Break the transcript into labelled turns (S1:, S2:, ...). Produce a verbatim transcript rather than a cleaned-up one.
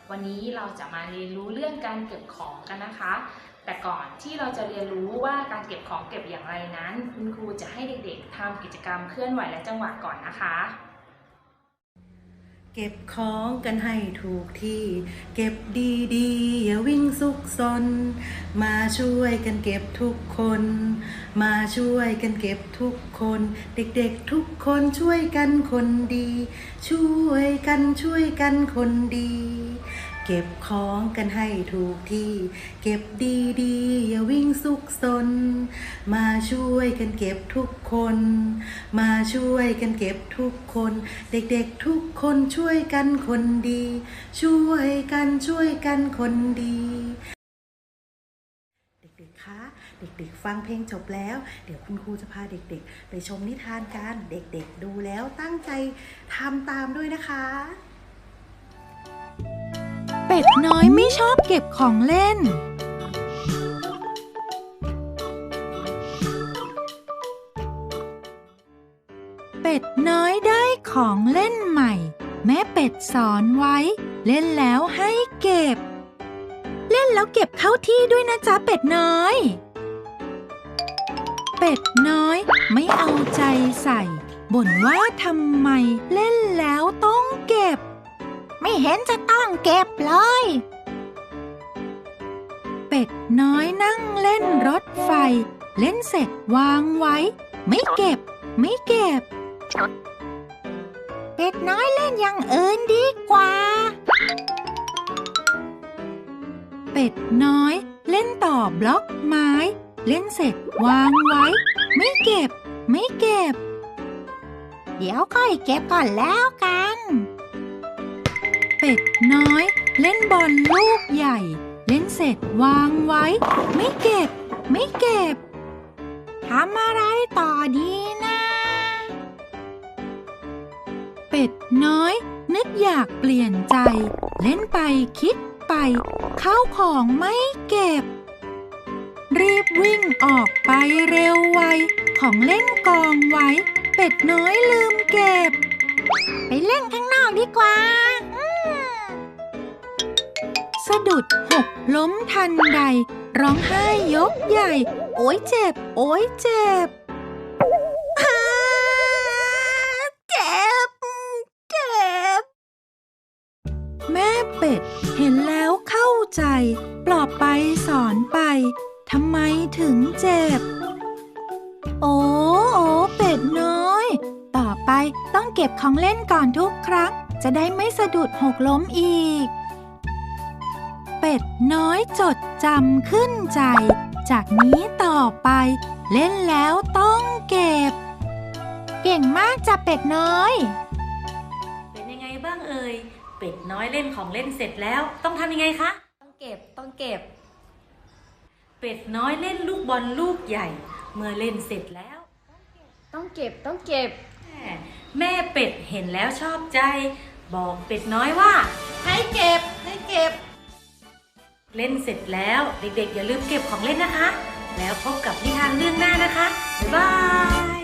S1: วันนี้เราจะมาเรียนรู้เรื่องการเก็บของกันนะคะแต่ก่อนที่เราจะเรียนรู้ว่าการเก็บของเก็บอย่างไรนั้นคุณครูจะให้เด็กๆทำกิจกรรมเคลื่อนไหวและจังหวะก่อนนะคะ
S2: เก็บของกันให้ถูกที่เก็บดีๆอย่าวิ่งซุกซนมาช่วยกันเก็บทุกคนมาช่วยกันเก็บทุกคนเด็กๆทุกคนช่วยกันคนดีช่วยกันช่วยกันคนดีเก็บของกันให้ถูกที่เก็บดีๆอย่าวิ่งซุกซนมาช่วยกันเก็บทุกคนมาช่วยกันเก็บทุกคนเด็กๆทุกคนช่วยกันคนดีช่วยกันช่วยกันคนดีเด็กๆคะเด็กๆฟังเพลงจบแล้วเดี๋ยวคุณครูจะพาเด็กๆไปชมนิทานกันเด็กๆดูแล้วตั้งใจทำตามด้วยนะคะ
S3: เป็ดน้อยไม่ชอบเก็บของเล่นเป็ดน้อยได้ของเล่นใหม่แม่เป็ดสอนไว้เล่นแล้วให้เก็บเล่นแล้วเก็บเข้าที่ด้วยนะจ๊ะเป็ดน้อยเป็ดน้อยไม่เอาใจใส่บ่นว่าทำไมเล่นแล้วต้องเก็บไม่เห็นจะต้องเก็บเลยเป็ดน้อยนั่งเล่นรถไฟเล่นเสร็จวางไว้ไม่เก็บไม่เก็บเป็ดน้อยเล่นอย่างอื่นดีกว่าเป็ดน้อยเล่นต่อบล็อกไม้เล่นเสร็จวางไว้ไม่เก็บไม่เก็บเดี๋ยวค่อยเก็บก่อนแล้วกันเป็ดน้อยเล่นบอลลูกใหญ่เล่นเสร็จวางไว้ไม่เก็บไม่เก็บทำอะไรต่อดีนะเป็ดน้อยนึกอยากเปลี่ยนใจเล่นไปคิดไปข้าวของไม่เก็บรีบวิ่งออกไปเร็วไวของเล่นกองไว้เป็ดน้อยลืมเก็บไปเล่นข้างนอกดีกว่าสะดุดหกล้มทันใดร้องไห้ยกใหญ่โอ๊ยเจ็บโอ๊ยเจ็บเจ็บเจ็บแม่เป็ดเห็นแล้วเข้าใจปลอบไปสอนไปทำไมถึงเจ็บโอ้โอ้เป็ดน้อยต่อไปต้องเก็บของเล่นก่อนทุกครั้งจะได้ไม่สะดุดหกล้มอีกเป็ดน้อยจดจำขึ้นใจจากนี้ต่อไปเล่นแล้วต้องเก็บเก่งมากจ้ะเป็ดน้อย
S4: เป็นยังไงบ้างเอ่ยเป็ดน้อยเล่นของเล่นเสร็จแล้วต้องทำยังไงคะ
S1: ต้องเก็บต้องเก็บ
S4: เป็ดน้อยเล่นลูกบอลลูกใหญ่เมื่อเล่นเสร็จแล้ว
S1: ต้องเก็บต้องเก็บ
S4: แม่เป็ดเห็นแล้วชอบใจบอกเป็ดน้อยว่า
S1: ให้เก็บให้เก็บ
S4: เล่นเสร็จแล้วเด็กๆอย่าลืมเก็บของเล่นนะคะแล้วพบกับนิทานเรื่องหน้านะคะบ๊ายบาย